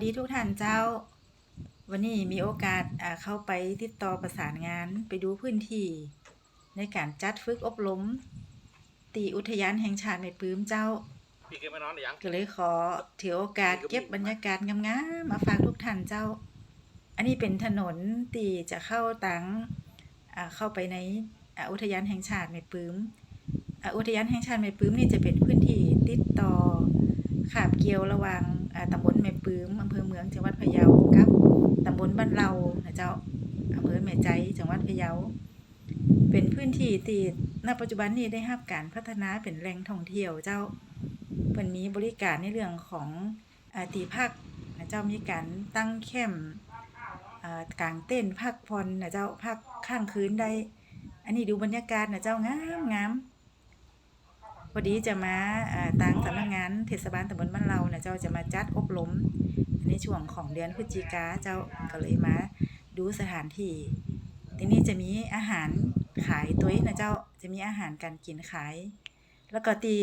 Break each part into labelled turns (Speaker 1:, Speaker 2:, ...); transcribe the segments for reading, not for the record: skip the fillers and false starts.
Speaker 1: ดีทุกท่านเจ้าวันนี้มีโอกาสเข้าไปติดต่อประสานงานไปดูพื้นที่ในการจัดฝึกอบรมตีอุทยานแห่งชาติแม่ปื้มเจ้า
Speaker 2: พี่เคยมานอนหรือยัง
Speaker 1: ก็เลยขอถือโอกาสเก็บบรรยากาศงามๆมาฝากทุกท่านเจ้าอันนี้เป็นถนนตีจะเข้าตังเข้าไปในอุทยานแห่งชาติแม่ปื้มอุทยานแห่งชาติแม่ปื้มนี่จะเป็นพื้นที่ติดต่อคาบเกี่ยวระหว่างตำบลแม่ปื้มอำเภอเมืองจังหวัดพะเยากับตำบลบ้านเรานะเจ้าอำเภอแม่ใจจังหวัดพะเยาเป็นพื้นที่ที่ณปัจจุบันนี้ได้รับการพัฒนาเป็นแหล่งท่องเที่ยวเจ้าเพิ่นมีบริการในเรื่องของที่พักนะเจ้ามีการตั้งแคมป์กางเต้นพักผ่อนนะเจ้าพักข้างคืนได้อันนี้ดูบรรยากาศนะเจ้างามพอดีจะมาทางสำนักงานเทศบาลตำบลบ้านเรานะเจ้าจะมาจัดอบรมในช่วงของเดือนพฤศจิกาเจ้าก็เลยมาดูสถานที่ที่นี่จะมีอาหารขายตัวนะเจ้าจะมีอาหารการกินขายแล้วก็ที่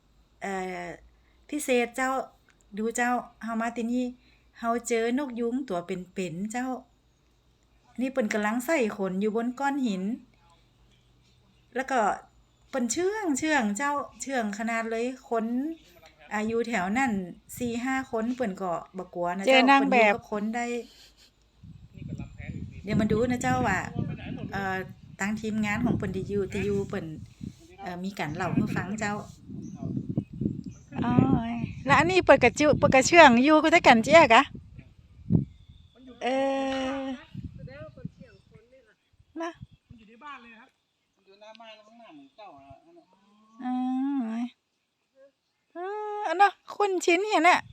Speaker 1: พิเศษเจ้าดูเจ้าเฮามาที่นี่เฮาเจอนกยุงตัวเป็นๆเจ้านี่เปิ้นกำลังใส่ขนอยู่บนก้อนหินแล้วก็เปิ้นเชื่องเจ้าเชื่องขนาดเลยคนอยู่แถวนั่น 4-5 คนเปิ้นก็บ่กลัวนะเจ้าเปิ้นอยู่กับคนได้เดี๋ยวมาดูนะเจ้าว่าทางทีมงานของเปิ้นที่อยู่เปิ้นมีการเล่าให้ฟังเจ้าอ๋อแล้วอันนี้เปิ้นก็เปิ้นก็เชื่องอยู่คือแต่กันเจ้ากะนะ
Speaker 2: มันอยู่ในบ้านเลยครับอยู่หน้าบ้านแล้วข้างหน้าเหมือนเจ้า
Speaker 1: อันน่ะคุ้นชินเห็นน่ะ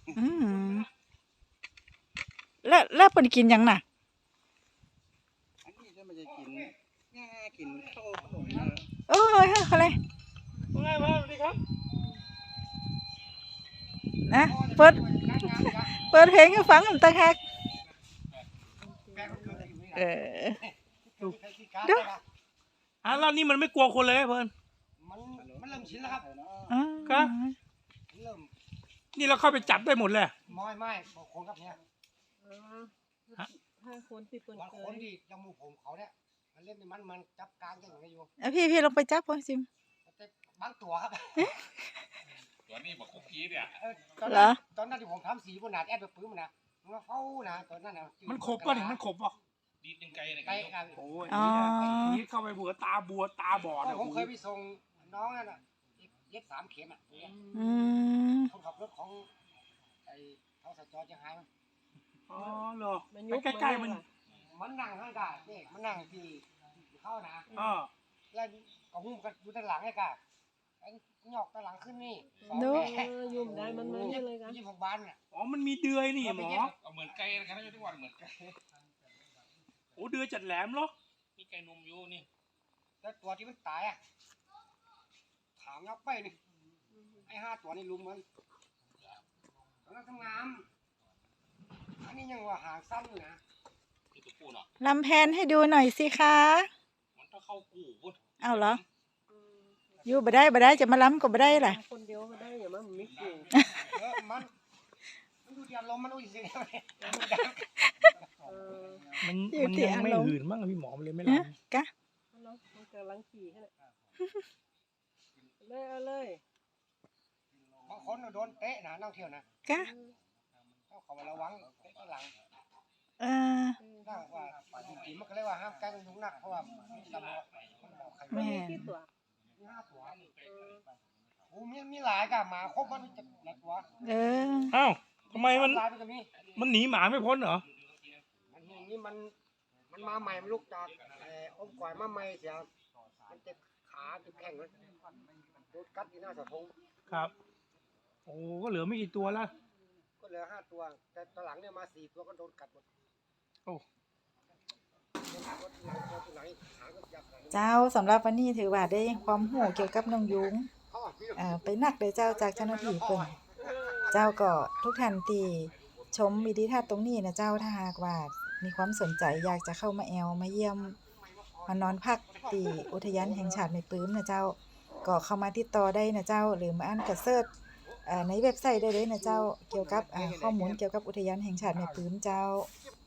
Speaker 1: แล้วเปิ้นกินหยังน่ะ
Speaker 2: อันนี้จะมันจะกินง่ากินข้าวขนม
Speaker 1: โอ้ยอะไร
Speaker 2: ว่าไงบ้างสวัสดีครับ
Speaker 1: นะเปิดเพลงให้ฟังต่างหากดู
Speaker 2: แล้วนี่มันไม่กลัวคนเลยเพิ่น
Speaker 3: มันเริ่มชินแล้วครับ
Speaker 2: ครับนี่เราเข้าไปจับได้หมดเลย
Speaker 3: ไม่บอกคนครับเนี่ย
Speaker 4: 5 คนที่เปิ้นเคย
Speaker 3: คนที่จมูกผมเขาเนี่ยมันเล่นมันจับกลางอย่างไรอยู่
Speaker 1: พี่ลงไปจับพ่อซิม
Speaker 3: บางตัวครับ
Speaker 2: ตัวนี้บอกคุกกี้เนี่ย
Speaker 3: ตอนนั้นที่ผมทำสีบนหนาแอดแบบปื้มนะมันเฝ้านะตอนนั้นนะ
Speaker 2: มันขบป่ะเนี่ยมันขบป่ะดีดยังไงเนี่ยโอ้ยนี่เข้าไปบัวตาบอด
Speaker 3: ผมเคยไปส่งน้องนั่นน่ะเย็บ3 เข็มอ่ะคนขับรถของไอ้ทศจจะหายมั้ง
Speaker 2: อ๋อเหรอใกล้ๆมัน
Speaker 3: นั่งข้างกาเนี่ยมันนั่งที่เข้านะแล้วก็หุ้มกันอยู่ด้านหลังไอ้กาไอ้หยอกด้านหลังขึ้นนี่
Speaker 4: ยุ่มได้มันนี่เลยกัน
Speaker 3: 26 บาทเนี่ย
Speaker 2: อ๋อมันมีเดือยนี่หมอเหมือนไก่นะครับทุกวันเหมือนไก่โอ้เดือยจัดแหลมเหรอมีไก่นมอยู่นี่
Speaker 3: แล้วตัวที่มันตายอ่ะถามยักไปนี่ไอ้5 ตัวนี่ลุมมันตอนนั้นทำงานอันนี้ยังว่าหางสั้นอยู่นะ
Speaker 1: ลำแพนให้ดูหน่อยสิคะ
Speaker 2: มันต้องเข้ากู
Speaker 1: เอาเหรออยู่บ่ได้จะมาล้ำก็บ่ได้ล่ะ
Speaker 4: คนเดียวก็ได้อย่ามันไม่กู
Speaker 3: มันดูที่อารมณ์มันดูสิ
Speaker 2: มันยังไม่หื่นมั้งพี่หมอมันเลยไม่ล้ำ
Speaker 1: กะ
Speaker 4: มันกำลังขี่แค่นั้นเลย
Speaker 3: บางคนโดนเตะนะนั่งเที่ยวนะ
Speaker 1: กะ
Speaker 3: ต้องขอระวังเตะข้างหลังนั่งว่าจริงๆมันก็เลยว่าห้ามใกล้ยุงนักเพราะว่า
Speaker 1: แม่
Speaker 3: ตัว5 ตัวโอ้มีหลายกะหมาครบมันจะหลายตัว
Speaker 2: อ้าวทำไมมันหนีหมาไม่พ้นเหรอ
Speaker 3: นี่มันมาใหม่มันลุกจากอ้อมก่อยมาใหม่เสียมันเจ็บขาเจ็บแข้งเลยโดนกัดที่หน้าเสาธง
Speaker 2: ครับโอ้ก็เหลือไม่กี่ตัวแล้ว
Speaker 3: ก็เหลือ5 ตัวแต่ตอนหลังเนี่ยมา4 ตัวก็โดนกัดหมด
Speaker 2: โอ้
Speaker 1: เจ้าสำหรับวันนี้ถือว่าได้ความรู้เกี่ยวกับนกยุงไปนักเลยเจ้าจากเจ้าหน้าที่เพิ่นเจ้าก็ทุกท่านที่ชมวิดีทัศน์ตรงนี้นะเจ้าถ้าหากว่ามีความสนใจอยากจะเข้ามามาเยี่ยมมานอนพักที่อุทยานแห่งชาติแม่ปื้มนะเจ้าก็เข้ามาติดต่อได้นะเจ้าหรือมาอ่านกระเซิร์ชในเว็บไซต์ได้เลยนะเจ้าเกี่ยวกับข้อมูลเกี่ยวกับอุทยานแห่งชาติแม่ปื้มเจ้า
Speaker 3: เก็บ